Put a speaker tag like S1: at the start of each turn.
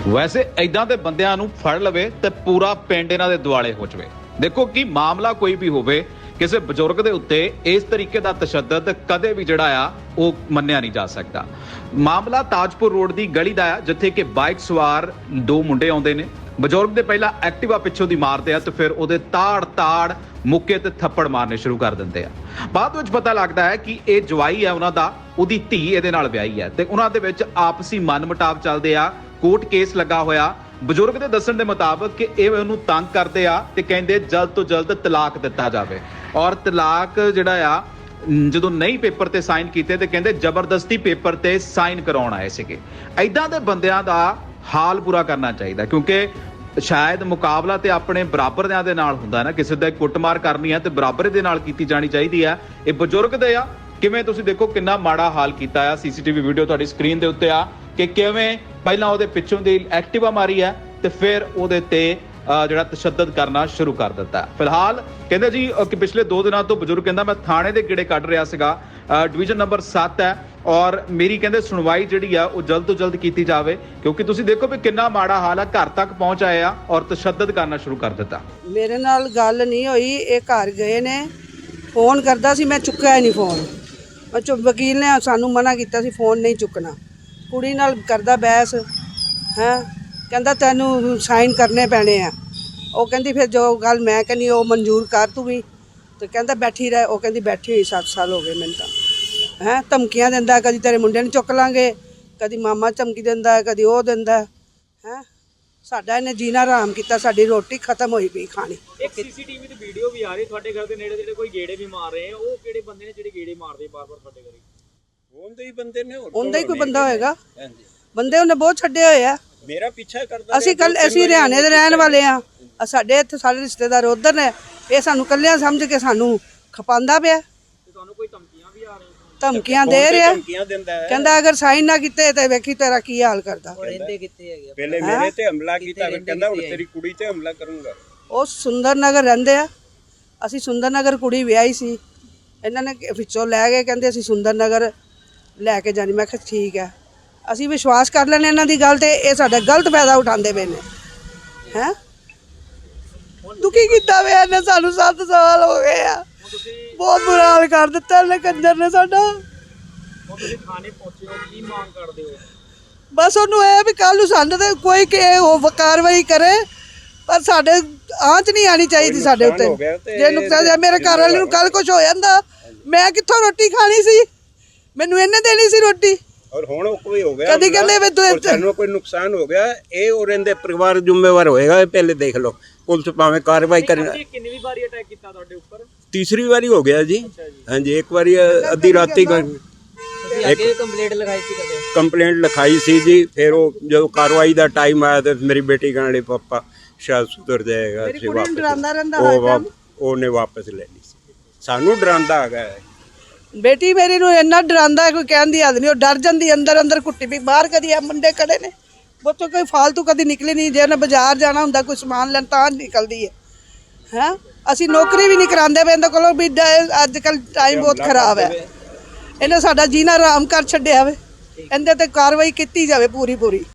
S1: वैसे इदां दे बंदियां नूं फड़ लवे ते पूरा पिंड इन्हां दे दुआले हो जावे। देखो कि मामला कोई भी होवे, किसी बजुर्ग के उत्ते इस तरीके का तशद्दद कदे भी जिहड़ा आ वो मन्निया नहीं जा सकता। मामला ताजपुर रोड की गली का आ, जिथे कि बाइक सवार दो मुंडे आउंदे ने। बजुर्ग दे पहला एक्टिवा पिछों दी मारते आ, तो फिर उहदे ताड़ ताड़ मुक्के ते थप्पड़ मारने शुरू कर दिंदे आ। बाद विच पता लगदा है कि ये जवाई है उन्हां दा, उहदी धी इहदे नाल विआही है ते उन्हां दे विच आपसी मन मुटाव चलदे आ। कोर्ट केस लगा होया। बजुर्ग दे दस्सण दे मुताबक कि ਇਹ ਉਹਨੂੰ ਤੰਗ ਕਰਦੇ ਆ ਤੇ ਕਹਿੰਦੇ ਜਲਦ ਤੋਂ ਜਲਦ ਤਲਾਕ ਦਿੱਤਾ ਜਾਵੇ, ਔਰ ਤਲਾਕ ਜਿਹੜਾ ਆ ਜਦੋਂ ਨਹੀਂ ਪੇਪਰ ਤੇ ਸਾਈਨ ਕੀਤੇ ਤੇ ਕਹਿੰਦੇ ਜ਼ਬਰਦਸਤੀ ਪੇਪਰ ਤੇ ਸਾਈਨ ਕਰਾਉਣ ਆਏ ਸੀਗੇ। ਐਦਾਂ ਦੇ ਬੰਦਿਆਂ ਦਾ ਹਾਲ ਪੂਰਾ ਕਰਨਾ ਚਾਹੀਦਾ, ਕਿਉਂਕਿ ਸ਼ਾਇਦ ਮੁਕਾਬਲਾ ਤੇ ਆਪਣੇ ਬਰਾਬਰਿਆਂ ਦੇ ਨਾਲ ਹੁੰਦਾ ਨਾ, ਕਿਸੇ ਦਾ ਕੁੱਟਮਾਰ ਕਰਨੀ ਹੈ ਤੇ ਬਰਾਬਰ ਦੇ ਨਾਲ ਕੀਤੀ ਜਾਣੀ ਚਾਹੀਦੀ ਆ। ਇਹ ਬਜ਼ੁਰਗ ਦੇ ਆ, ਕਿਵੇਂ ਤੁਸੀਂ ਦੇਖੋ ਕਿੰਨਾ ਮਾੜਾ ਹਾਲ ਕੀਤਾ ਆ। ਸੀਸੀਟੀਵੀ ਵੀਡੀਓ ਤੁਹਾਡੀ ਸਕਰੀਨ ਦੇ ਉੱਤੇ ਆ ਕਿ ਕਿਵੇਂ ਪਹਿਲਾਂ ਉਹਦੇ ਪਿੱਛੋਂ ਦੀ ਐਕਟਿਵਾ ਮਾਰੀ ਹੈ ਤੇ ਫਿਰ ਉਹਦੇ ਤੇ ਜਿਹੜਾ ਤਸ਼ੱਦਦ ਕਰਨਾ ਸ਼ੁਰੂ ਕਰ ਦਿੱਤਾ। ਫਿਲਹਾਲ ਕਹਿੰਦੇ ਜੀ ਕਿ ਪਿਛਲੇ 2 ਦਿਨਾਂ ਤੋਂ ਬਜ਼ੁਰਗ ਕਹਿੰਦਾ ਮੈਂ ਥਾਣੇ ਦੇ ਗੇੜੇ ਕੱਢ ਰਿਹਾ ਸੀਗਾ, ਡਿਵੀਜ਼ਨ ਨੰਬਰ 7 ਹੈ, ਔਰ ਮੇਰੀ ਕਹਿੰਦੇ ਸੁਣਵਾਈ ਜਿਹੜੀ ਆ ਉਹ ਜਲਦ ਤੋਂ ਜਲਦ ਕੀਤੀ ਜਾਵੇ, ਕਿਉਂਕਿ ਤੁਸੀਂ ਦੇਖੋ ਵੀ ਕਿੰਨਾ ਮਾੜਾ ਹਾਲ ਆ। ਘਰ ਤੱਕ ਪਹੁੰਚ ਆਏ ਆ ਔਰ ਤਸ਼ੱਦਦ ਕਰਨਾ ਸ਼ੁਰੂ ਕਰ ਦਿੱਤਾ।
S2: ਮੇਰੇ ਨਾਲ ਗੱਲ ਨਹੀਂ ਹੋਈ, ਇਹ ਘਰ ਗਏ ਨੇ, ਫੋਨ ਕਰਦਾ ਸੀ, ਮੈਂ ਚੁੱਕਿਆ ਨਹੀਂ ਫੋਨ। ਵਕੀਲ ਨੇ ਸਾਨੂੰ ਮਨਾ ਕੀਤਾ ਸੀ ਫੋਨ ਨਹੀਂ ਚੁੱਕਣਾ। ਕੁੜੀ ਨਾਲ ਕਰਦਾ ਬਹਿਸ ਹੈ, ਕਹਿੰਦਾ ਤੈਨੂੰ ਸਾਈਨ ਕਰਨੇ ਪੈਣੇ ਆ। ਉਹ ਕਹਿੰਦੀ ਫਿਰ ਜੋ ਗੱਲ ਮੈਂ ਕਹਿੰਦੀ ਉਹ ਮਨਜ਼ੂਰ ਕਰ ਤੂੰ ਵੀ, ਤੇ ਕਹਿੰਦਾ ਬੈਠੀ ਰਹਿ। ਉਹ ਕਹਿੰਦੀ ਬੈਠੀ ਹੋਈ 7 ਸਾਲ ਹੋ ਗਏ ਮੈਨੂੰ ਤਾਂ। ਹੈ ਧਮਕੀਆਂ ਦਿੰਦਾ, ਕਦੀ ਤੇਰੇ ਮੁੰਡੇ ਨੂੰ ਚੁੱਕ ਲਾਂਗੇ, ਕਦੀ ਮਾਮਾ ਧਮਕੀ ਦਿੰਦਾ, ਕਦੀ ਉਹ ਦਿੰਦਾ। ਹੈ ਸਾਡਾ ਇਹਨੇ ਜੀਣਾ ਹਰਾਮ ਕੀਤਾ, ਸਾਡੀ ਰੋਟੀ ਖਤਮ ਹੋਈ ਪਈ ਖਾਣੀ।
S3: ਇੱਕ ਸੀਸੀਟੀਵੀ ਤੇ ਵੀਡੀਓ ਵੀ ਆ ਰਹੀ ਤੁਹਾਡੇ ਘਰ ਦੇ ਨੇੜੇ ਜਿਹੜੇ ਕੋਈ ਗੇੜੇ ਵੀ ਮਾਰ ਰਹੇ ਆ, ਉਹ ਕਿਹੜੇ ਬੰਦੇ ਨੇ ਜਿਹੜੇ ਗੇੜੇ ਮਾਰਦੇ ਬਾਰ-ਬਾਰ ਤੁਹਾਡੇ ਘਰੇ?
S4: ਉਹਦੇ ਹੀ ਬੰਦੇ ਨੇ,
S2: ਉਹਦਾ ਹੀ ਕੋਈ ਬੰਦਾ ਹੋਏਗਾ। ਬੰਦੇ ਉਹਨੇ ਬਹੁਤ ਛੱਡੇ ਹੋਏ ਆ।
S4: ਮੇਰਾ ਪਿੱਛਾ ਕਰਦਾ।
S2: ਅਸੀਂ ਹਰਿਆਣੇ ਦੇ ਰਹਿਣ ਵਾਲੇ ਆ, ਸਾਡੇ ਇੱਥੇ ਸਾਰੇ ਰਿਸ਼ਤੇਦਾਰ ਉਧਰ ਨੇ। ਇਹ ਸਾਨੂੰ ਕੱਲਿਆਂ ਸਮਝ ਕੇ ਸਾਨੂੰ ਖਪਾਉਂਦਾ ਪਿਆ।
S3: ਤੇ ਤੁਹਾਨੂੰ ਕੋਈ ਧਮਕੀਆਂ ਵੀ ਆ ਰਹੀਆਂ?
S2: ਧਮਕੀਆਂ ਦੇ ਰਿਹਾ,
S4: ਧਮਕੀਆਂ ਦਿੰਦਾ ਹੈ।
S2: ਕਹਿੰਦਾ ਅਗਰ ਸਾਈਨ ਨਾ ਕੀਤੇ ਤੇ ਵੇਖੀ ਤੇਰਾ ਕੀ ਹਾਲ ਕਰਦਾ।
S3: ਰਹਿੰਦੇ ਕਿੱਥੇ ਹੈਗੇ?
S4: ਪਹਿਲੇ ਮੇਰੇ ਤੇ ਹਮਲਾ ਕੀਤਾ, ਕਹਿੰਦਾ ਹੁਣ ਤੇਰੀ ਕੁੜੀ ਤੇ ਹਮਲਾ ਕਰੂੰਗਾ।
S2: ਉਹ ਸੁੰਦਰ ਨਗਰ ਰਹਿੰਦੇ ਆ। ਅਸੀਂ ਸੁੰਦਰ ਨਗਰ ਕੁੜੀ ਵਿਆਹੀ ਸੀ, ਇਹਨਾਂ ਨੇ ਵਿੱਚੋਂ ਲੈ ਗਏ, ਕਹਿੰਦੇ ਅਸੀਂ ਸੁੰਦਰ ਨਗਰ ਲੈ ਕੇ ਜਾਣੀ। ਮੈਂ ਕਿਹਾ ਠੀਕ ਹੈ, ਅਸੀਂ ਵਿਸ਼ਵਾਸ ਕਰ ਲੈਣੇ ਇਹਨਾਂ ਦੀ ਗੱਲ ਤੇ। ਇਹ ਸਾਡਾ ਗਲਤ ਫਾਇਦਾ ਉਠਾਉਂਦੇ ਪਏ ਨੇ। ਹੈ ਦੁਖੀ ਕੀਤਾ ਵੇ ਇਹਨੇ ਸਾਨੂੰ, 7 ਸਾਲ ਹੋ ਗਏ ਆ। ਬਹੁਤ ਬੁਰਾ ਹਾਲ ਕਰ ਦਿੱਤਾ ਇਹਨੇ ਕੰਜਰ ਨੇ ਸਾਡਾ।
S3: ਹੁਣ ਤੁਸੀਂ ਥਾਣੇ ਪਹੁੰਚੇ ਹੋ, ਕੀ ਮੰਗ ਕਰਦੇ ਹੋ?
S2: ਬਸ ਉਹਨੂੰ ਇਹ ਵੀ ਕੱਲ ਨੂੰ ਸਾਨੂੰ ਤੇ ਕੋਈ ਉਹ ਕਾਰਵਾਈ ਕਰੇ, ਪਰ ਸਾਡੇ ਆਂਚ ਨਹੀਂ ਆਣੀ ਚਾਹੀਦੀ ਸਾਡੇ ਉੱਤੇ। ਜੇ ਨੁਕਸਾਨ ਮੇਰੇ ਘਰ ਵਾਲੇ ਨੂੰ ਕੱਲ ਕੁਝ ਹੋ ਜਾਂਦਾ, ਮੈਂ ਕਿੱਥੋਂ ਰੋਟੀ ਖਾਣੀ ਸੀ? ਮੈਨੂੰ ਇਹਨੇ ਦੇਣੀ ਸੀ ਰੋਟੀ।
S4: ਔਰ ਹੁਣ ਕੋਈ ਹੋ ਗਿਆ,
S2: ਕਦੀ ਕਹਿੰਦੇ ਵੀ
S4: ਤੁਹਾਨੂੰ ਕੋਈ ਨੁਕਸਾਨ ਹੋ ਗਿਆ, ਇਹ ਔਰ ਇਹਦੇ ਪਰਿਵਾਰ ਜ਼ਿੰਮੇਵਾਰ ਹੋਏਗਾ। ਇਹ ਪਹਿਲੇ ਦੇਖ ਲਓ, ਪੁਲਿਸ ਭਾਵੇਂ ਕਾਰਵਾਈ ਕਰੇ।
S3: ਕਿੰਨੀ ਵਾਰੀ ਅਟੈਕ ਕੀਤਾ ਤੁਹਾਡੇ ਉੱਪਰ?
S4: ਤੀਸਰੀ ਵਾਰੀ ਹੋ ਗਿਆ ਜੀ। ਹਾਂਜੀ, ਇੱਕ ਵਾਰੀ ਅੱਧੀ ਰਾਤੀ
S3: ਅੱਗੇ ਕੰਪਲੇਂਟ ਲਿਖਾਈ ਸੀ ਕਦੇ?
S4: ਕੰਪਲੇਂਟ ਲਿਖਾਈ ਸੀ ਜੀ। ਫਿਰ ਉਹ ਜਦੋਂ ਕਾਰਵਾਈ ਦਾ ਟਾਈਮ ਆਇਆ ਤੇ ਮੇਰੀ ਬੇਟੀ ਕਹਿਣ ਲਈ ਪਾਪਾ ਸ਼ਾਇਦ ਸੁਧਰ ਜਾਏਗਾ, ਅਸੀਂ ਵਾਪਸ ਉਹਨੇ ਵਾਪਸ ਲੈ ਲਈ ਸੀ। ਸਾਨੂੰ ਡਰਾਉਂਦਾ ਹੈਗਾ।
S2: ਬੇਟੀ ਮੇਰੀ ਨੂੰ ਇੰਨਾ ਡਰਾਉਂਦਾ, ਕੋਈ ਕਹਿਣ ਦੀ ਹੱਦ ਨਹੀਂ। ਉਹ ਡਰ ਜਾਂਦੀ, ਅੰਦਰ ਅੰਦਰ ਕੁੱਟੀ ਵੀ ਬਾਹਰ। ਕਦੀ ਆ ਮੁੰਡੇ ਖੜੇ ਨੇ, ਬੱਚੋ ਕੋਈ ਫਾਲਤੂ ਕਦੀ ਨਿਕਲੇ ਨਹੀਂ। ਜੇ ਉਹਨੇ ਬਾਜ਼ਾਰ ਜਾਣਾ ਹੁੰਦਾ ਕੋਈ ਸਮਾਨ ਲੈਣ ਤਾਂ ਨਿਕਲਦੀ ਹੈ। ਹੈਂ ਅਸੀਂ ਨੌਕਰੀ ਵੀ ਨਹੀਂ ਕਰਾਉਂਦੇ ਪਏ ਇਹਦੇ ਕੋਲੋਂ ਵੀ। ਅੱਜ ਕੱਲ੍ਹ ਟਾਈਮ ਬਹੁਤ ਖਰਾਬ ਹੈ। ਇਹਨੇ ਸਾਡਾ ਜੀਣਾ ਆਰਾਮ ਕਰ ਛੱਡਿਆ ਵੇ। ਇਹਦੇ ਤੇ ਕਾਰਵਾਈ ਕੀਤੀ ਜਾਵੇ ਪੂਰੀ।